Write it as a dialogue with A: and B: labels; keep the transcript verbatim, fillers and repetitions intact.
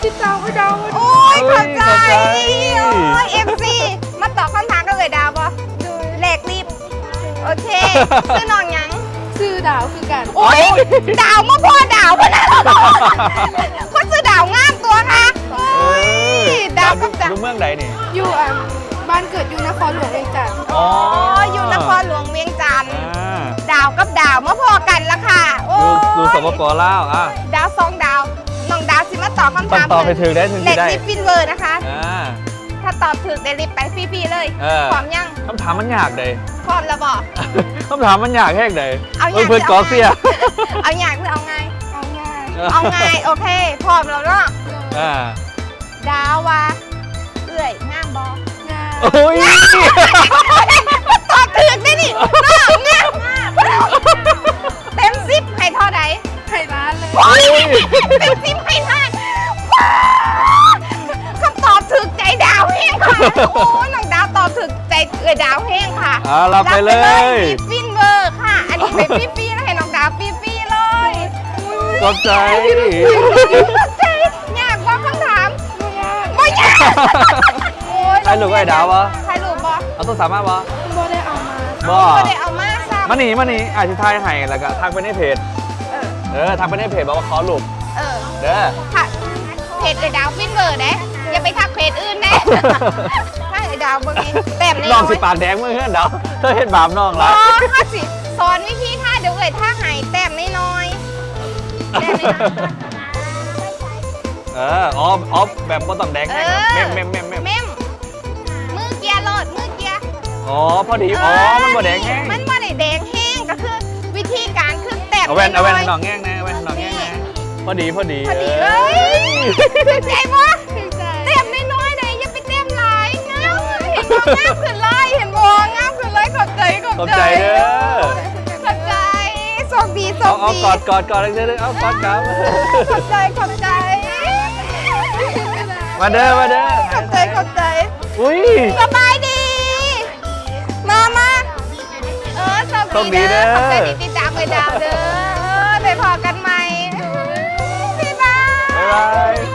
A: ติดตามไอ้ดาว
B: โอ้ยขอบใจโอ้ยเอฟซีมาตอบคำถามกันเลยดาวปะแหลกรีบโอเคชื่อน้องยัง
A: ชื่อดาวคือกัน
B: โอ้ยดาวมาพอดาวพนันคนชื่อดาวงามตัวค่ะโอ้ยดาวกับดาว
C: อยู่เมืองใดนี่
A: อยู่อ่ะบ้านเกิดอยู่นครหลวงเวียงจันทร์
B: อ๋ออยู่นครหลวงเวียงจันทร์ดาวกับดาวมาพอกันละค่ะโอ้
C: ดูสปปลาวอ่ะ
B: ดาวสองดาวน้องดาวสิมาตอบคำถาม
C: ตอบให้ถึงได้ถึงได้
B: เล็กลิฟฟินเวอร์นะคะถ้าตอบถูกได้ลิฟไปฟรีๆเลยพร้อมยัง
C: คำถามมันยากเลย
B: พร้อมแล้วบอก
C: คำถามมันยากแค่ไหน
B: เอาอยาก
C: เพื่อนกอเสีย
B: เอาอยากหรือเอาไง
A: เอาง่าย
B: เอาไงโอเคพร้อมแล้วเนาะดาวว่าเอื่อยงามบองาม
C: โอ้ย
B: ตอบถูกได้นี่งามเต็มสิบให้เท่าไหร่
A: ให้ล้านเลย
B: เต็มสิบให้ล้านคำตอบถูกใจดาวแห้งค่ะโอ้น้องดาวตอบถูกใจเอื่อยดาวแห้งค่ะ
C: รับไปเลย
B: ฟินเวอร์ค่ะอันนี้เป็นฟรีๆแล้วให้น้องดาวฟรีๆเลย
C: ขอบใจ
B: ขอบใจยากว่าคำถามไม่ยาก
C: ใครหลุดไอ้ดาววะ
B: ใครหลุดบอ
C: เอาตัวสามารถวะ
A: บ่ได้เอามา
C: บ่
B: ได้เอามาซ้ำ
C: มาหนีมาหนีอาชิทายให้แล้วก็ทักไปในเพจเออทักไปในเพจบอกว่าขอหลุด
B: เออ
C: เด้อ
B: เพจเอดาวฟินเวอร์เด้อย่าไปทักเพจอื่นเด้ถ้าเอดาวเบอร์นี้แต้มเลย
C: น้องสิปากแดงเมื่อเพื่อนเดาเธอเห็นบาปน้องละ
B: อ๋อถ้าสิสอนวิธีท่าเดี๋ยวเอ่ยท่าหายแต้มน้อยแต้มน้อย
C: เอออ๋ออ๋อแบบบ่ต้องแดงแม่เมมเมมเมม
B: เมมมือเกียร์โหลดมือเกียร์
C: อ๋อพอดีอ๋อมันบ่แดงแห้ง
B: มันบ่ได้แดงแห้งก็คือวิธีการคือแต้ม
C: เอาแว่นเอาแว่นหนองแง่งนะแว่นหนองแง่งนะพอดีพอดี
B: พอดีเลยถึงใจปะแต้มน้อยๆเลยอย่าไปแต้มหลายงามเห็นบ่งามขึ้นเลยเห็นบ่งามขึ้นเลยขอบใจขอบใจ
C: เด้อ
B: ขอบใจโชคดีโชคดี
C: เอากอดกอดกอดเลยเลยเอากอดกับ
B: ขอบใจขอบใจ
C: มาเด้อมาเด้อ
B: ขอบใจขอบใจ
C: อุ้ย
B: สบายดีมามาเออโชคดีเด้อขอบใจดีติดตามไปดาวเด้อไปพอกันใหม่บ๊ายบาย